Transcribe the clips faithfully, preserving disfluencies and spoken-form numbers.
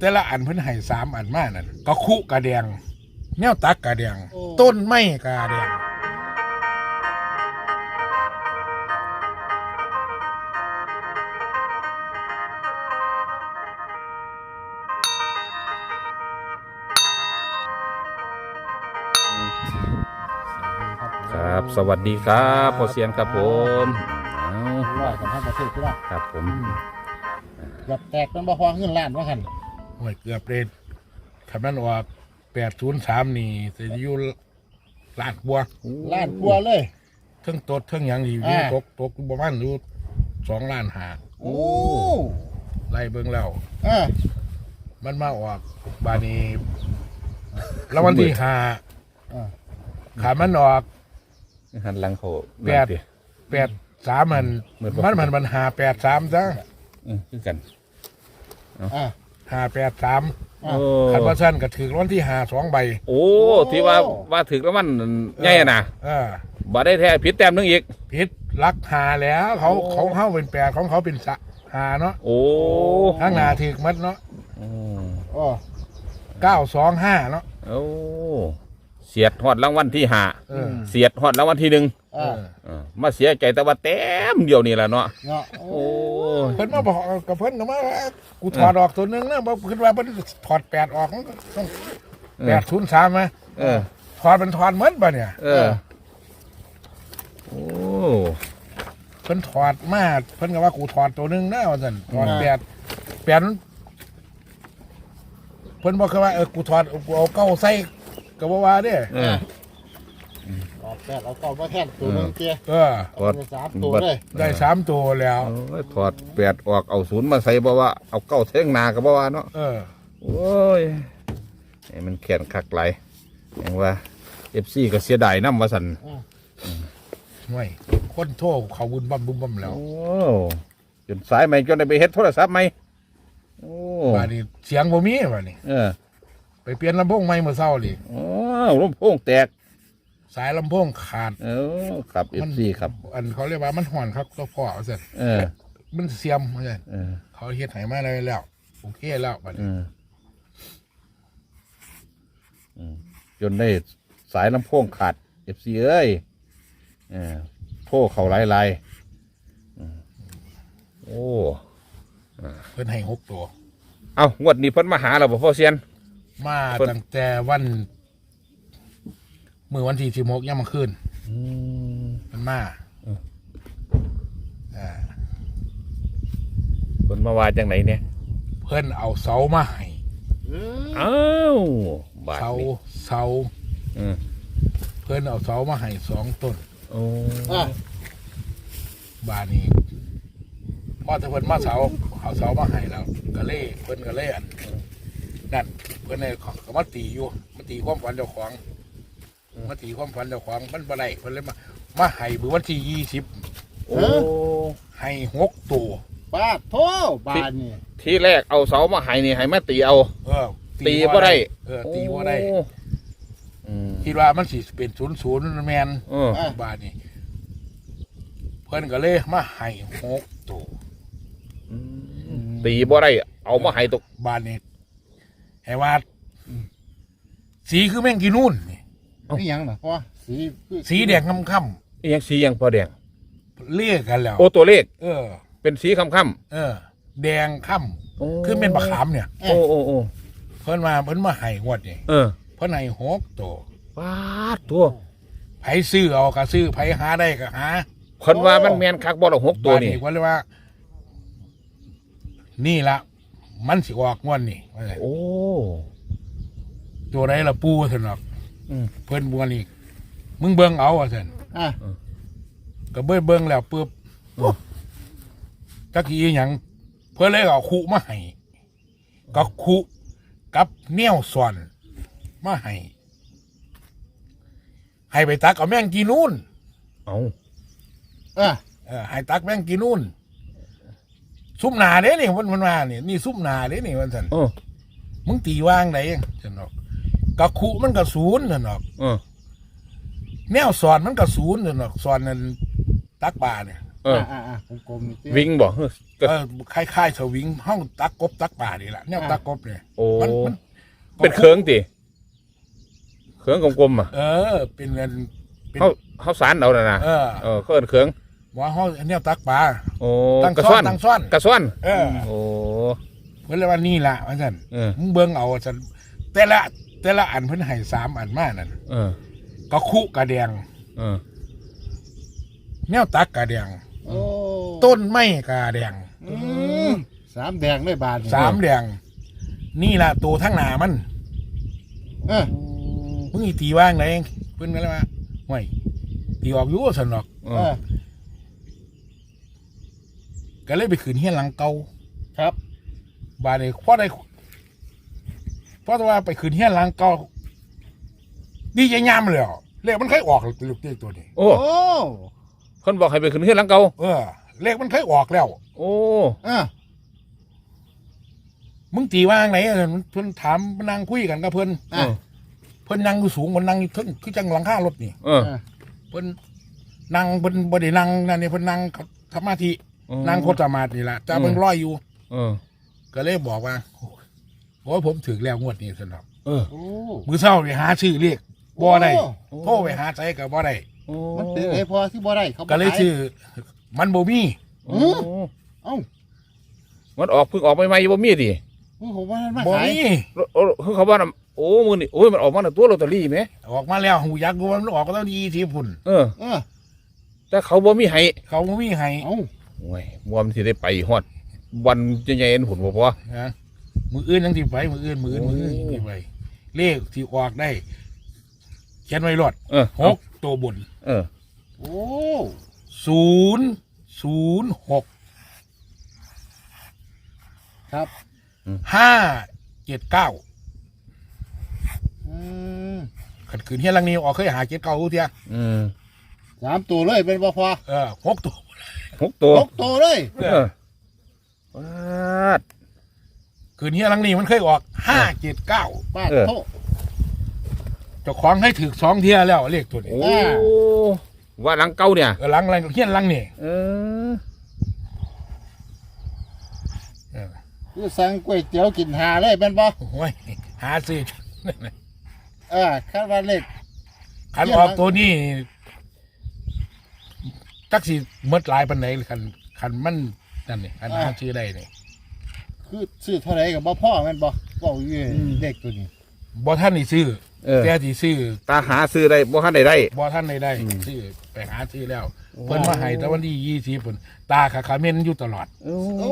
แต่ละอันเพิ่นให้สามอันมานั่นก็คุกระแดงแนวตักกระแดงต้นไม้กระแดงครับสวัสดีครับพ่อเซียนครับผมเอาร้อยกันทั้งประเทศที่ละครับผมหยับแตกมันบ่พอเงินล้านว่าหันโอ้ยเกือบเลยคำนั้นว่าแปดศูนย์สามนี่จะอยู่ล้านกว่าล้านกลัวเลยเทั้งตดเทั้งหยังอยู่อ่าตกตกประมาณอยู่สองล้านหาโอ้ไล่เบิ่งแล้วเออมันมาออกบาดนี้แล้ววันที่ห้าอ่าขามันออกหันหลังเขาแปด แปดสามมันเหมือนบ่มันมันมันหาแปดสามซะเออคือกันอ่าหาแปดสามอ่าโอ้ขันว่าสั้นก็ถือวันที่หาสองใบโอ้ที่ว่าว่าถึกแล้วมันใหญ่อะนะเออบ่ได้แท้ผิดแต้มนึงอีกพิษลักหาแล้วเขาเขาเข้าเป็นแปดของเขาเป็นสะหาเนาะโอ้ทั้งหนาถือมัดเนาะอืมโอ้เก้าสองห้าเนาะโอ้เสียดฮอดรางวัลที่ห้าเออเสียดฮอดรางวัลที่หนึ่งเออ่าอเออมาเสียใจแต่ว่าแต้มเดียวนี่แหละเนาะเนาะโอ้โอ้เพิ่นมาบอกกับเพิ่นก็มาว่ากูถอดออกตัวหนึงนะบอกคิดว่าเพิ่นถอดแปดออกมันก็ต้องแปดศูนย์สามไหมเออถอดเป็นถอดเหมือนป่ะเนี่ยเออโอ้เพิ่นถอดมาเพิ่นก็ว่ากูถอดตัวหนึงนะว่าซั่นถอดแปดแปดนั้นเพิ่นบอกแค่ว่าเออกูถอดกูเอาเก้าใส่ก็บ่ว่าเด้เออออกแตกเอากอบมาแทนตัวหนึงเตี้ยเออถอดเป็นสามตัวเลยได้สามตัวแล้วโอ้ยถอดแปดออกเอาศูนย์มาใส่บ่ว่าเอาเก้าเท่งหนาก็บ่ว่าเนาะเออโอ้ยไอ้มันแข็งคักไหลอย่างว่าเอฟซีก็เสียดายน้ำว่าสันห่วยคนโทษเขาบุญบั่มบุญบั่มแล้วโอ้จนสายใหม่จนได้ไปเฮ็ดโทรศัพท์ใหม่โอ้บาดนี้เสียงบ่มีบาดนี้เออไปเปลี่ยนลำโพงใหม่เมื่อเช้านี่โอ้ลำโพงแตกสายลำโพงขาดเออครับเอฟซีครับอันเขาเรียกว่ามันห่อนครับก็พอว่าซั่นเออมันเสียมว่าซั่นเออเขาเฮ็ดให้มาได้แล้วโอเคแล้วบาดเอนี้ออืมจนได้สายลำโพงขาดเอฟซีเอ้ยเออโทรเขาหลายลายๆอืมโอ้เพิ่นให้หกตัวเอางวดนี้เพิ่นมาหาเราบ่พ่อเซียนมาเพิ่นตั้งแต่วันมื้อวันที่สิบหกยามมื้อคืนอืมมันมาเอออ่าเพิ่นมาว่าจังไหนเนี่ยเพิ่นเอาเสามาให้อืมอ้าวบาทเสานี้เสาเออเพิ่นเอาเสามาให้สองต้นโอ้อ่าบานนี้พอถ้าเพิ่นมาเสาเอาเสามาให้แล้วก็เล่เพิ่นก็เล่อันนั่นเพิ่นเนี่ยก็มาตีอยู่มาตีความฝันเจ้าของมาตีความฝันเจ้าของมันบ่ได้เพิ่นเลยมามาให้เมื่อวันที่ยี่สิบโอ้ให้หกตัวปาดโทบานนี่ที่แรกเอาเสามาให้นี่ให้มาตีเอาเออตีบ่ได้เออตีบ่ได้โอ้อืมคิดว่ามันสิเป็นศูนย์ศูนย์แมนเออบานนี้เพิ่นก็เลยมาให้หกตัวตีบ่ได้เอามาให้ตกบานนี้ให้ว่าสีคือแม่งกีนู่นนี่นี่ยังน่ะพ่อสีคือสีแดงค่ำอีหยังสีหยังพอแดงๆเรียกกันแล้วโอ้ตัวเลขเออเป็นสีค่ำเออ แดงค่ๆโอ้ำคือเป็นบะขามเนี่ยโอ้โอ้โอ้เพิ่นมาเพิ่นมาให้งวดนี่เออเพิ่นให้หกตัวปาดตัวไผซื้อเอาก็ซื้อไผหาได้ก็หาคนว่ามันแม่นคักบ่ละหกตัวนี่บาดก็เลยว่า นี่ละมันสิออกงวดนี่ว่าไงโอ้ตัวไหนละปูซั่นหรอกอืมเพิ่นบัวนี่มึงเบิ่งเอาว่าซั่นอ่าก็เบิ่งเบิ่งแล้วปึ๊บอืมจักอีหยังเพิ่นเลยเอาคุมาให้ก็คุกับแนวส่วนมาให้ให้ไปตักเอาแม่งกีนู่นเอาอ่าเออให้ตักแม่งกีนู่นซุ่มหนาเด้นี่มันมันมาเนี่ยนี่ซุ่มหนาเด้นี่วันสันโอ้มึงตีว่างไหนฉันบอกกะคุมันกะศูนย์ฉันบอกเออแนวสอนมันกะศูนย์ฉันบอกสอนนั่นตักป่าเนี่ยเอออ่าอ่าๆๆกลมๆนี่เตี้ยวิ่งบ่เฮ้ยก็เออคล้ายๆสวิงห้องตักกบตักป่านี่แหละเนี่ยตักกบเนี่ยโอ้มันมันเป็นเคืองติเคืองกลมๆอ่ะเออ เป็นเงินเป็นเขาเขาสารเอาน่ะนะเออเออเขาเอิ้นเคืองว่าห้องเนี่ยตักป่าโอ้ตั้งกระซ่ซ้ออน นตั้งซ่อนกระซ้อนเออโอ้เพิ่นเลยว่านี่ล่ะว่าซั่นเออมึงเบิ่งเอาว่าซั่นแต่ละแต่ละอันเพิ่นให้สามอันมานั่นเออก็คุกระแดงเออแนวตักกระแดงโอ้ต้นไม้กระแดงอืมสามแดงได้บาทนี่สามแดง นี่ล่ะตัวทั้งหน้ามันเออมึงอีตีว่างไหนเพิ่นก็เลยว่าห่วยตีออกอยู่ซั่นดอกเอเอออก็เลยไปขืนเฮียนหลังเก่าครับบาดนี้พอได้เพราะว่าไปขืนเฮียนหลังเก่าดีใจยามเลยอ่ะเลขมันเคยออกลูกเต้ตัวนี้โอ้โอ้คนบอกให้ไปขึ้นเฮือนหลังเก่าเออ เลขมันเคยออกแล้วโอ้เออมึงตีว่างไหนเพิ่นถามนั่งคุยกันกับเพิ่นเออเพิ่นนั่งอยู่สูงเพิ่นนั่งอยู่เทึ่งคือจังหลังคารถนี่เออเพิ่นนั่งเพิ่นบ่ได้นั่งนั่นนี่เพิ่นนั่งสมาธินั่งโคตรสมาธินี่ล่ะจ้าเพิ่นร้อยอยู่เออก็เลยบอกว่าโอ้ยผมถึงแล้วงวดนี้ซั่นดอกเออโอ้มื้อเช้าไปหาชื่อเลขบ่ได้โอ้โทรไปหาใจก็บ่ได้โอ้มันเป็นไอ้พอที่บ่ได้เขาบ่ก็เลยขายชื่อมันบ่มีโอ้เอ้ามันออกเพิ่งออกใหม่ๆบ่มีดิมึงผมว่ามันมาบ่ขายมีโอ้คือเขาว่าน่ะโอ้มื้อนี้โอ้ยมันออกมาน่ะตัวลอตเตอรี่แหมออกมาแล้วหูยักษ์ว่ามันออกก็ต้องดีทีพุ่นเออเออแต่เขาบ่มีให้เขาบ่มีให้เอ้าโอ้ยบ่มันสิได้ไปฮอดวันใหญ่ๆอันหุ่นบ่พอนะมืออื่นยังสิไปมืออื่นมืออื่นมืออื่นยังสิไปเลขที่ออกได้เขียนไว้รอดเออหกตัวบนเออโอ้ศูนย์ศูนย์หกครับห้าเจ็ดเก้าอืมขัดขืนเฮียหลังนี้ออกเคยหาเจ็ดเก้าเทียอืมสามตัวเลยเป็นบ่พอเออหกตัวหกตัวหกตัวเลยเออปาดขืนเฮียหลังนี้มันเคยออกห้าเจ็ดเก้าป้าดเออโตเจ้าของให้ถือสองเทียแล้วเลขตัวนี้โอ้ว่าหลังเก่าเนี่ยเออหลังหลังเฮียหลังนี่เออเออคือสั่งก๋วยเตี๋ยวกินหาเลยเป็นบ่โอ้ยหาซื้อเออคาดว่าเลขขันออกตัวนี้จักสิเมื่อหลายปันไหนขันขันมันนั่นนี่ขันหาชื่อได้นี่คือซื้อเท่าไหร่กับบ่พ่อแม่นบ่บ่อยู่เลขตัวนี้บ่ท่านนี่ซื้อเออแต่ที่ซื้อตาหาซื้อได้บ่ทันได้ได้บ่ท่านได้ได้ซื้อไปหาซื้อแล้ว เพิ่นมาให้แต่วันที่ยี่สิบเพิ่นตาขาขาเมนอยู่ตลอดโอ้โอ้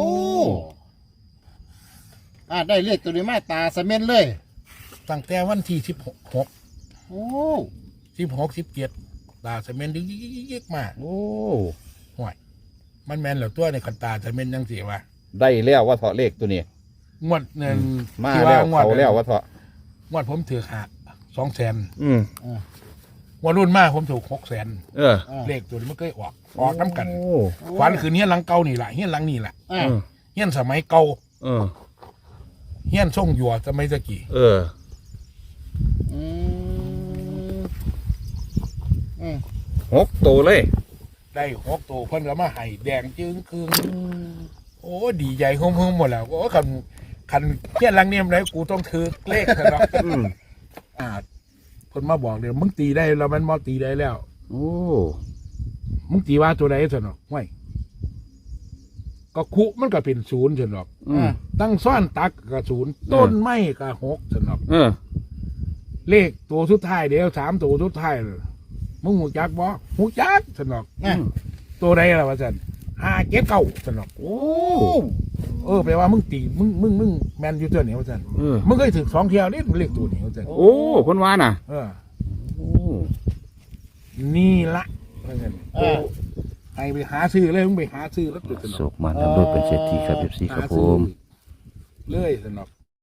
อ่าได้เลขตัวนี้มาตาสะเม็นเลยตั้งแต่วันที่สิบหกหกโอ้สิบหกสิบเจ็ดตาเสเมนดึกยิกๆมาโอ้ห่วยมันแมนแล้วตัวในขันตาเสเมนยังสิว่าได้แล้วว่าเถาะเลขตัวนี้งวดเงินมาที่แล้วงวดเขาแล้วว่าเถาะงวดผมถือหาสองแสนอืมงวดรุ่นมากผมถูกหกแสนเอออ่าเลขตัวนี้มันเคยออกออกน้ำกันโอ้ขวัญคืนเฮียนหลังเก่านี่แหละเฮียนหลังนี่แหละอ่าเออเฮียนสมัยเก่าเออเฮียนส่งหยัวสมัยตะกี้เอออืมอืมหกตัวเลยได้หกตัวเพิ่นก็มาให้แดงจึงคืงโอ้ดีใจคุ้มๆหมดแล้วโอ้คันคันเฮียนหลังนี่มันไหนกูต้องถือเลขเถอะเนาะอืมอ่าคนมาบอกเลยมึงตีได้แล้วมันมอตีได้แล้วโอ้มึงตีว่าตัวใดสนอกไม่ก็คุมันก็เป็นศูนย์สนอกอืมตั้งซ่อนตักก็ศูนย์ต้นไม้ก็หกสนอกเออเลขตัวสุดท้ายเดียวสามตัวสุดท้ายเลยมึงหูจักบ่หูจักสนอกอ่ะตัวใดล่ะวะสันห้าเก็บเก้าสนอกโอ้เออแปลว่ามึงตีมึงมึงมึงแมนอยู่ตัวนี้วะสันเออมึงเคยถึงสองเที่ยวนี่มึงเลขตัวนี้วะสันโอ้คนว่าน่ะเออโอ้นี่ละว่าซั่นอ่าให้ไปหาซื้อเลยมึงไปหาซื้อแล้วจุดสนโศอกกมันทำด้วยเป็นเศรษฐีครับเอฟซีครับผมเลยสนอก